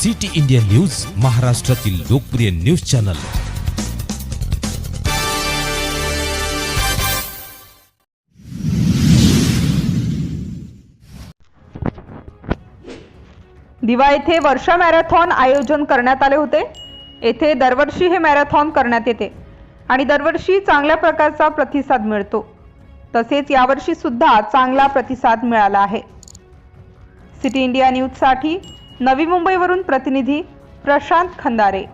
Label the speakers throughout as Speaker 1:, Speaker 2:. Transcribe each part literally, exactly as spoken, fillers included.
Speaker 1: City India news, महाराष्ट्रातील लोकप्रिय news channel.
Speaker 2: दिवा येथे वर्षा मॅरेथॉन आयोजन करण्यात आले होते। येथे दरवर्षी हे मॅरेथॉन करण्यात येते आणि दरवर्षी चांगल्या प्रकारचा प्रतिसाद मिळतो। तसेच यावर्षी सुद्धा चांगला प्रतिसाद मिळाला आहे। सिटी इंडिया न्यूज साठी नवी मुंबईवरून प्रतिनिधी प्रशांत खंदारे।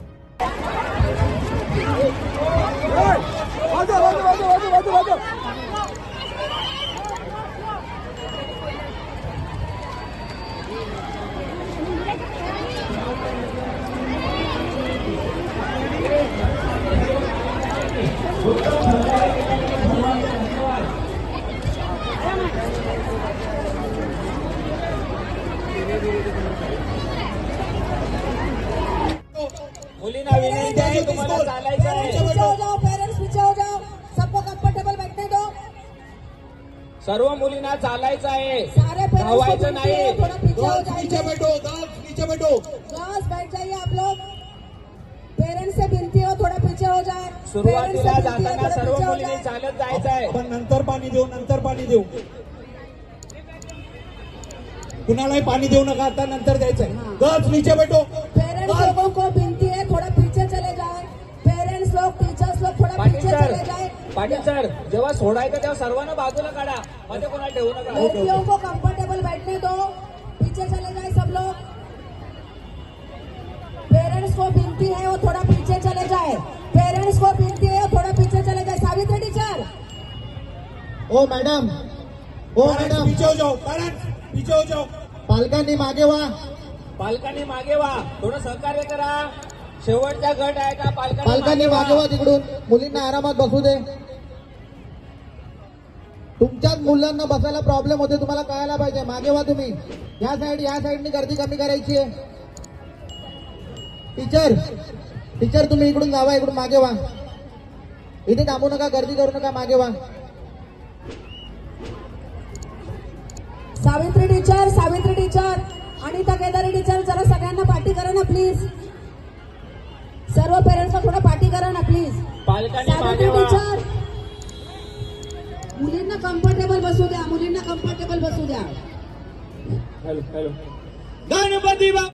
Speaker 3: मुलींना विनंती आहे, तुम्हाला चालायचं आहे।
Speaker 4: पीछे हो जाओ पेरेंट्स, पीछे हो जाओ, सबको कंफर्टेबल बैठने दो।
Speaker 3: सर्व मुलींना चालायचं आहे,
Speaker 4: सारे
Speaker 3: धावायचं नाही।
Speaker 4: थोड़ा पीछे हो
Speaker 5: नीचे
Speaker 4: जाइए,
Speaker 5: बैठो, गर्ल्स नीचे बैठो।
Speaker 4: गर्ल्स बैठ जाइए आप लोग। पेरेंट्स से विनती हो थोड़ा पीछे हो जाए।
Speaker 3: सुरुवातीला जाताना सर्व मुलींनी चालत जायचं आहे।
Speaker 5: आपण नंतर पाणी देऊ, नंतर पाणी देऊ, कुणालाही पाणी देऊ नका, आता नंतर द्यायचंय। गर्ल्स नीचे बैठो।
Speaker 4: पेरेंट्स लोगों को विनती है थोड़ा पीछे चले जाए। पेरेंट्स लोग, टीचर्स लोग थोड़ा
Speaker 3: पाटील
Speaker 4: पीछे
Speaker 3: सर,
Speaker 4: चले जाए।
Speaker 3: पाटील सर, जेव्हा सोडायचं तेव्हा सर्वांना बाजूला काढा, मध्ये कोणाला ठेवू नका।
Speaker 4: लड़कियों को कंफर्टेबल बैठने दो, पीछे चले जाए सब लोग। पेरेंट्स को विनती है वो थोड़ा पीछे चले जाए। पेरेंट्स को विनती है वो थोड़ा पीछे चले जाए। सावित्री टीचर,
Speaker 6: ओ मॅडम, ओ मॅडम,
Speaker 5: पीछे हो जाओ, पेरेंट्स पीछे हो जाओ।
Speaker 6: पालकांनी मागे व्हा।
Speaker 3: पालकांनी मागे व्हा, थोडं सहकार्य करा। शेवटचा गट आहे का?
Speaker 6: पालकांनी मागे व्हा तिकडून, मुलींना आरामात बसू दे। तुमच्याच मुलांना बसायला प्रॉब्लेम होते, तुम्हाला कळायला पाहिजे। मागे व्हा तुम्ही। या साइड या साइडनी गर्दी कमी करायची आहे। टीचर टीचर तुम्ही इकडून जावा, इकडून मागे व्हा। इथे थांबू नका, गर्दी करू नका, मागे व्हा।
Speaker 4: Savitri teacher, Savitri teacher, Anita Kedari teacher, जरा सगळ्यांना पाठी करा ना प्लीज। सर्व पेरेंट्सला थोडं पाठी करा ना प्लीज।
Speaker 3: पालकांनी मागे
Speaker 4: सावित्री
Speaker 3: व्हा।
Speaker 4: टीचर, मुलींना कम्फर्टेबल बसू द्या, मुलींना कम्फर्टेबल बसू द्या।
Speaker 3: हॅलो हॅलो, गणपती बाप्पा।